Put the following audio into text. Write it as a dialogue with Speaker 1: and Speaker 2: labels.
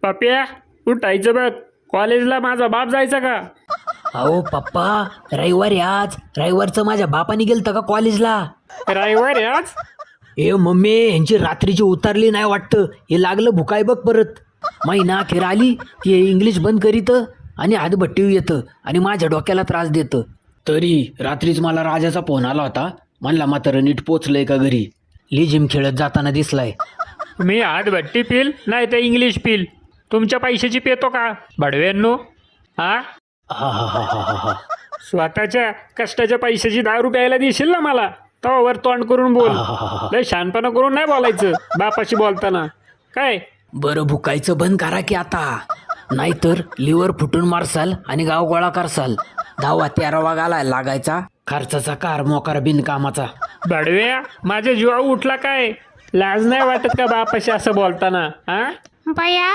Speaker 1: पप्या उठायचं बघ, कॉलेजला माझा बाप जायचा का?
Speaker 2: अहो पप्पा, रविवार आहे आज. रविवारचं माझ्या बापाने गेलतं का कॉलेजला?
Speaker 1: रविवार आहे आज?
Speaker 2: ए मम्मी, यांची रात्रीची उतरली नाही वाटतं. हे लागलं भुकाय बघ परत. महिना अखेर आली की हे इंग्लिश बंद करीतं आणि हातभट्टी येतं आणि माझ्या डोक्याला त्रास देतं. तरी रात्रीच मला राजाचा फोन आला होता. म्हणला म्हातारं नीट पोचलंय का घरी. लिजिम खेळत जाताना दिसलाय.
Speaker 1: मी हातभट्टी पिल नाही तर इंग्लिश पिल, तुमच्या पैशाची पेतो का बडव्यांनो? हा,
Speaker 2: हा हा हा हा हा हा.
Speaker 1: स्वतःच्या कष्टाच्या पैशाची 10 रुपयाला देशील ना मला, तवावर तोंड करून बोल. लय शहाणपणा करून नाही बोलायचं बापाशी बोलताना. काय
Speaker 2: बरं भुकायचं बंद करा की आता, नाहीतर लिव्हर फुटून मारसाल आणि गाव गोळा करसाल. 10-13 घालायला लागायचा. खर्चाचा कार मोकार बिनकामाचा.
Speaker 1: बडव्या, माझ्या जीवा उठला काय? लाज नाही वाटत का बापाशी असं बोलताना? हा
Speaker 3: बया